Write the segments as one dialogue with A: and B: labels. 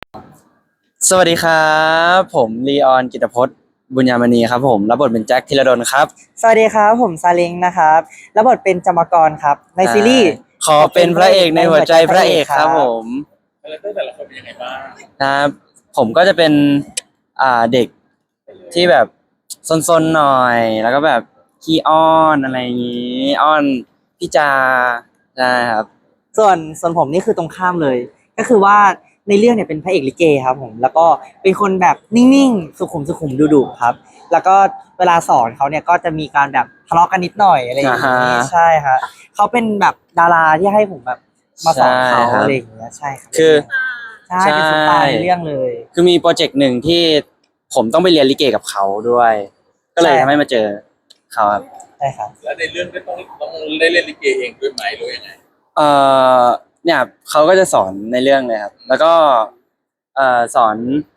A: สวัสดีครับผมลีออนกิตพจน์บุญญามณีครับผมรับบทเป็นแจ็คธีรดลครับ
B: สวัสดีครับผมซาเล้งนะครับรับบทเป็นจามกรครับในซีรีส์
A: ขอเป็นพระเอกในหัวใจพระเอกครับผม
C: คาแรคเตอร์แต่ละคนเป็นยังไงบ้าง
A: นะครับผมก็จะเป็นเด็กที่แบบซนๆหน่อยแล้วก็แบบขี้อ้อนอะไรอย่างงี้อ้อนพี่จาใช่ครับ
B: ส่วนผมนี่คือตรงข้ามเลยก็คือว่าในเรื่องเนี่ยเป็นพระเอกลิเกครับผมแล้วก็เป็นคนแบบนิ่งๆสุขุมดุๆครับแล้วก็เวลาสอนเขาเนี่ยก็จะมีการแบบทะเลาะกันนิดหน่อยอะไรอย่างนี้ใช่ฮะเขาเป็นแบบดาราที่ให้ผมแบบมาสอนเขาอะไรอย่างเงี้ยใช่ครับ
A: คือ
B: ใช่เป็นสไตล์ในเรื่องเลย
A: คือมีโปรเจกต์หนึ่งที่ผมต้องไปเรียนลิเกกับเขาด้วย ก็เลยทำให้มาเจอเขาครับ
B: ใช่ครับ
C: แล้วในเรื่องก็ต้องได้เล่นลิเกเองด้วยไหมหรือยังไง
A: เอ่อเนี่ยเขาก็จะสอนในเรื่องเลยครับแล้วก็สอน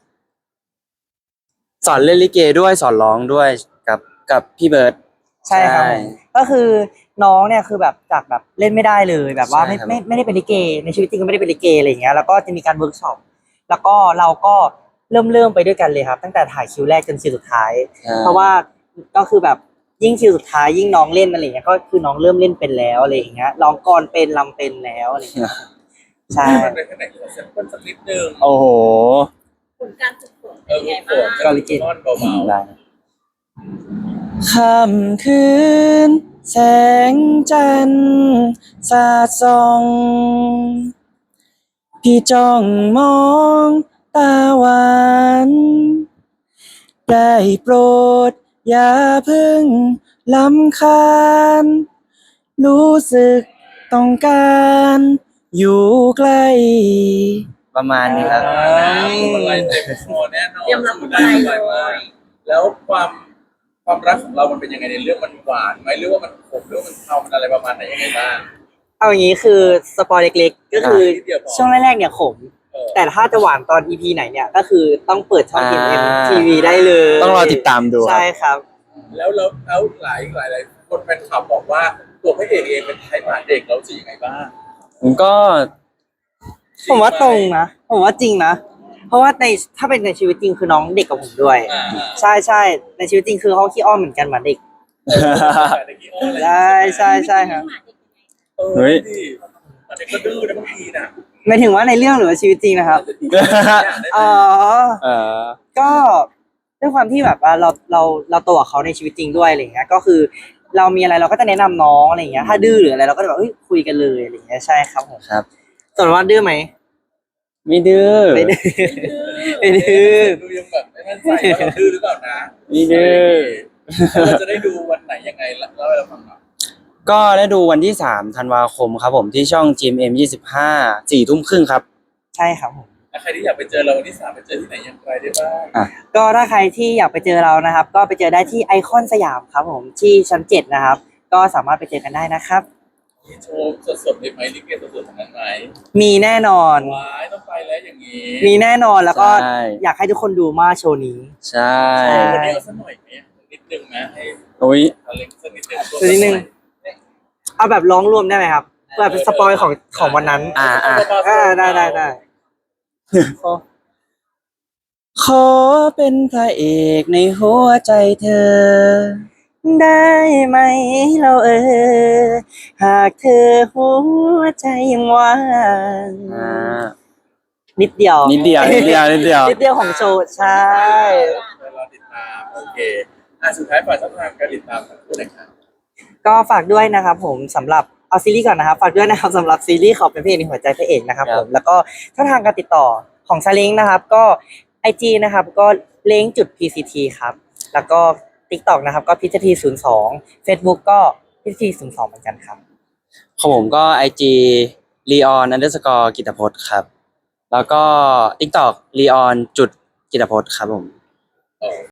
A: เล่นลิเกด้วยสอนร้องด้วยกับพี่เบิร์ด
B: ใช่ครับผมก็คือน้องเนี่ยคือแบบจากแบบเล่นไม่ได้เลยแบบว่าไม่ได้เป็นลิเกในชีวิตจริงก็ไม่ได้เป็นลิเกอะไรอย่างเงี้ยแล้วก็จะมีการเวิร์กช็อปแล้วก็เราก็เริ่มไปด้วยกันเลยครับตั้งแต่ถ่ายคิวแรกจนคิวสุดท้ายเพราะว่าก็คือแบบยิ่งคิวสุดท้ายยิ่งน้องเล่นอะไรอย่างเงี้ยก็คือน้องเริ่มเล่นเป็นแล้วอะไรอย่างเงี้ยร้องกลอนเป็นรำเป็นแล้วอะไรอย่างเงี้ยใช่
C: มันเป็นแค่ไหนขอเซมเปิลสักนิดนึง
A: โอ้โห
D: ผลการฝึกฝนเป็นยังไงบ้าง
C: ก็ลิเกนอนเบา
A: ได้ค่ำคืนแสงจันทร์สาดส่องพี่จ้องมองตาหวานได้โปรดอย่าเพิ่งลำคาญรู้สึกต้องการอยู่ใกล้ประมาณนี้ครับ
C: อะไรเต็มคอแน่นอนได้เลยแล้วความรักของเรามันเป็นยังไงในเรื่องมันหวานไหมหรือว่ามันขมหรือว่ามันเทามันอะไรประมาณไหนยังไงบ้าง
B: เอาอย่างนี้คือสปอยเล็กๆก็คือช่วงแรกๆเนี่ยขมแต่ถ้าจะหวานตอน EP ไหนเนี่ยก็คือต้องเปิดช่อง GMM TV ได้เลย
A: ต้องรอติดตามดู
B: ใช่ครับ
C: แล้วหลายคนแฟนคลับบอกว่าตัวพระเอกเองเป็นไทป์หมาเด็กแล้วสิยังไงบ้าง
A: ผมก็
B: ผมว่าตรงนะผมว่าจริงนะเพราะว่าถ้าเป็นในชีวิตจริงคือน้องเด็กกับผมด้วยใช่ในชีวิตจริงคือเขาขี้อ้อนเหมือนกันเหมือนเด็กใช่ครับ
A: เฮ้ย
C: เด็กก็ดื้อนะบางทีนะ
B: หมายถึงว่าในเรื่องหรือว่าชีวิตจริงนะครับอ๋อก็ด้วยความที่แบบว่าเราโตกับเขาในชีวิตจริงด้วยอะไรอย่างเงี้ยก็คือเรามีอะไรเราก็จะแนะนำน้องอะไรอย่างเงี้ยถ้าดื้อหรืออะไรเราก็จะแบบคุยกันเลยอะไรอย่างเงี้ยใช่ครับผม
A: ครับ
B: ส่วนว่าดื้อไหม
A: ไม่ดื้อ
B: ไม่ดื้อไม่ดื้อ
C: ดูยังแบบไม่มั่นใจว่าเราดื้อหรือเปล่านะ
A: ไม่ดื้อ
C: เราจะได้ดูวันไหนยังไงเล่าให้เราฟังหน่อย
A: ก็ได้ดูวันที่3 ธันวาคมครับผมที่ช่อง GMM 25 4 ทุ่มครึ่งครับ
B: ใช่ครับผม
C: ใครที่อยากไปเจอเราวันที่3ไปเจอที่ไหนอย่างไรได้บ้าง
B: ก็ถ้าใครที่อยากไปเจอเรานะครับก็ไปเจอได้ที่ไอคอนสยามครับผมที่ชั้น7นะครับก็สามารถไปเจอกันได้นะครับ
C: มีโชว์สดๆได้ไหมลิเกสดๆทั้งนั้นไหม
B: มีแน่นอน
C: ว้ายต้องไปแล้วอย่างนี้
B: มีแน่นอนแล้วก็อยากให้ทุกคนดูมากโชว์นี้
A: ใช่
C: วันนี้เอาสักหน่อยไหมนิดนึงนะให้
A: โอ้ย
C: เล็กสักนิด
B: นึงเอาแบบร้องรวมได้ไหมครับแบบเป็นสปอยของวันนั้นได้
A: ขอเป็นพระเอกในหัวใจเธอ
B: ได้ไหมเราหากเธอหัวใจยังว่างนิดเดียว
A: นิดเดียว
B: ของโชว์ใช่
C: เราติดตามโอเคสุดท้ายฝากช่องทางการติดตามของคุณหน่อยครับ
B: ก็ฝากด้วยนะครับผมสำหรับเอาซีรีส์ก่อนนะครับฝากด้วยนะครับสำหรับซีรีส์ขอเป็นพระเอกในหัวใจพระเอกนะครับผมแล้วก็ช่องทางการติดต่อของซาเล้งนะครับก็ IG นะครับก็เล้งจุด PCT ครับแล้วก็ TikTok นะครับก็PCT 02 Facebook ก็PCT 02เหมือนกันครับ
A: ของผมก็ IG Leon _ กิตพจน์ครับแล้วก็ TikTok Leon จุดกิตพจน์ครับผม